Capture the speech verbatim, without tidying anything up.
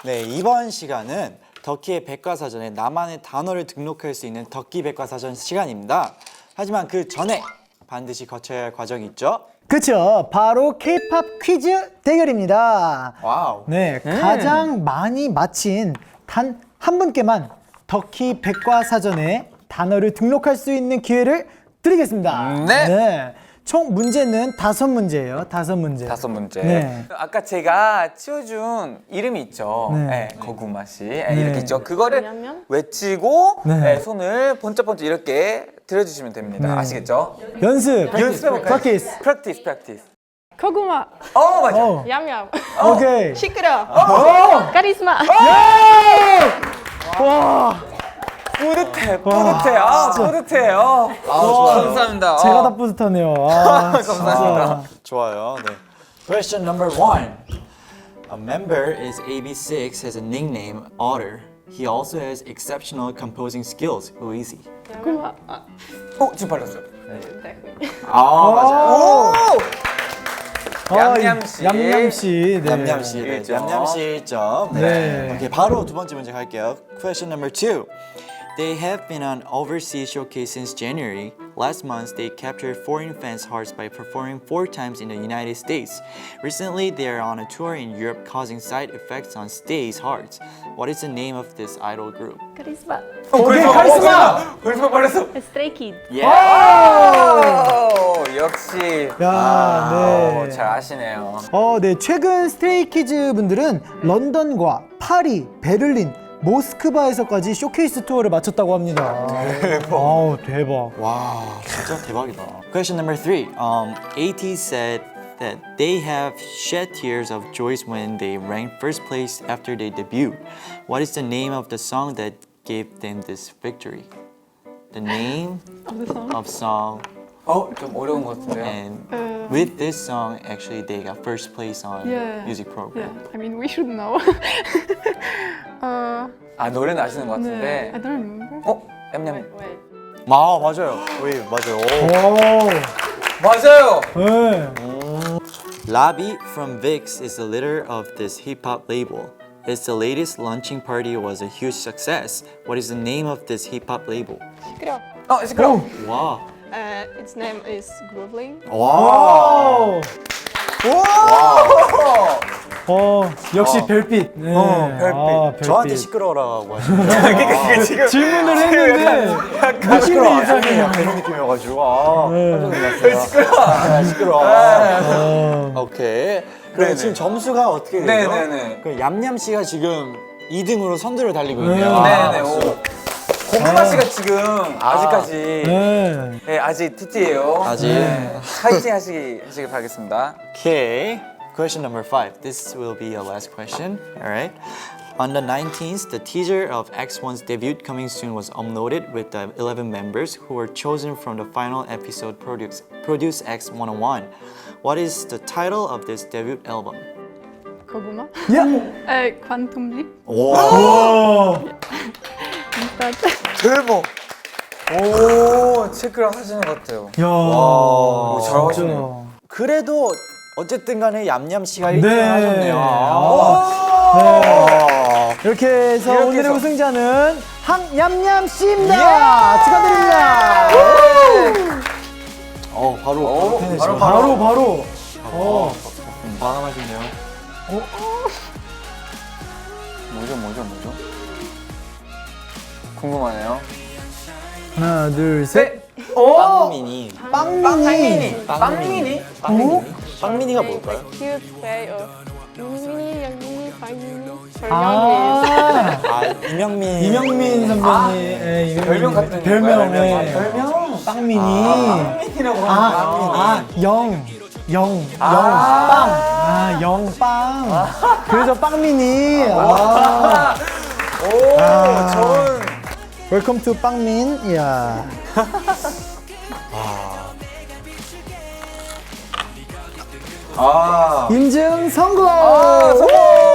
네, 이번 시간은 덕키의 백과사전에 나만의 단어를 등록할 수 있는 덕키 백과사전 시간입니다. 하지만 그 전에 반드시 거쳐야 할 과정이 있죠? 그쵸, 바로 K-팝 퀴즈 대결입니다. 와우. 네, 가장 많이 맞힌 단 한 분께만 덕키 백과사전에 단어를 등록할 수 있는 기회를 드리겠습니다. 네. 총 문제는 다섯 문제예요. 다섯 문제. 다섯 문제. 네. 아까 제가 치워준 이름이 있죠. 네. 네. 거구마 씨. 네, 네. 이렇게 있죠. 그거를 왜냐면? 외치고 네. 네, 손을 번쩍번쩍 이렇게 들어주시면 됩니다. 네. 아시겠죠? 연습. 연습해볼까요? 프랙티스. 프랙티스, 프랙티스. 고구마, 어, 맞아. 어, 얌얌, 오케이. 시끄러, 어! 카리스마. 와, 뿌듯해, 뿌듯해. 아, 뿌듯해요. 아, 좋아요. 감사합니다. 제가 어. 다 뿌듯하네요. 아, 감사합니다. 좋아요. 네. Question number one. A member is A B six has a nickname Otter. He also has exceptional composing skills. Who is he? 고구마. 아, 어, 지금 발랐어요. 네. 아, 맞아요. 오! 얌얌씨. 얌얌씨. 네. 얌얌씨. 네, 일점. 얌얌씨 일 점. 네. 네. 오케이, 바로 두 번째 문제 갈게요. Question number two. They have been on overseas showcase since January. Last month, they captured foreign fans' hearts by performing four times in the United States. Recently, they are on a tour in Europe, causing side effects on Stay's hearts. What is the name of this idol group? 카리스마. 오케이, 어, 카리스마. 벌써 발랐어. 스트레이 키드. 오, 역시. 야, 아, 네. 잘 아시네요. 어, 네. 최근 스트레이키즈 분들은 런던과 파리, 베를린, 모스크바에서까지 쇼케이스 투어를 마쳤다고 합니다. 대박. 아우, 대박. 와, 진짜 대박이다. Question number three. Um, AT said that they have shed tears of joy when they ranked first place after they debuted. What is the name of the song that gave them this victory? The name of song, 어, 좀 어려운 것 같은데요. and with this song, actually, they got first place on Yeah. music Yeah, program. I mean we should know. uh, 아, 노래는 아시는 것 네. 같은데. I don't remember. 어, 냠냠. Wait, wait. 아, 맞아요. 왜 맞아요. 오, 맞아요. 네. Lobby from Vix is the leader of this hip-hop label. Its the latest launching party was a huge success. What is the name of this hip-hop label? 시끄러. 어, 시끄러워. 와. Uh, its name is Groovling. 와. 어, 역시 별빛. 네. 어, 별빛. 아, 별빛. 저한테 시끄러워라고 하시는 그러니까 지금 질문을 했는데 느낌이 이상해요. 그런 느낌이어가지고 아 네. 시끄러워 시끄러워 어, 오케이 그럼 네네. 지금 점수가 어떻게 되죠? 네네네. 그 얌얌 씨가 지금 이 등으로 선두를 달리고 있네요. 네네. 오. 고구마 씨가 지금 아직까지 네. 네, 아직 티티예요. 아직. 네. 파이팅 하시기 하시길 바라겠습니다. Okay. Question number five. This will be a last question. All right. On the nineteenth, the teaser of X one's debut coming soon was uploaded with the eleven members who were chosen from the final episode Produce, Produce X one oh one. What is the title of this debut album? 고구마. 야. Uh, Quantum Leap. 오, 대박. 오, 체크를 하시는 것 같아요. 야. 오, 진짜. 잘하시네요. 그래도 어쨌든 간에 얌얌 씨가 일 네. 등을 하셨네요. 아. 네. 이렇게 해서 이렇게 오늘의 해서. 우승자는 항얌얌 씨입니다. 축하드립니다. 어, 바로 오, 바로 바로, 바로 바로. 어. 반함하시네요. 뭐죠, 뭐죠, 뭐죠? 궁금하네요. 하나, 둘, 셋. 빵미니. 빵미니. 빵미니. 빵미니. 빵미니가 뭘까요? Cute way of 미니, 양미니, 방미니. 아. 아, 이명민. 이명민 선배님. 예, 이명민 별명 선배님. 같은 별명. 건가요? 예. 아, 별명? 빵미니. 빵민이라고 아, 아, 영. 영, 영, 빵. 아, 영, 빵. 그래서 빵미니. 아. 오, 아. 좋은. 웰컴 투 빵민. 이야. 아. 인증 성공! 아, 성공!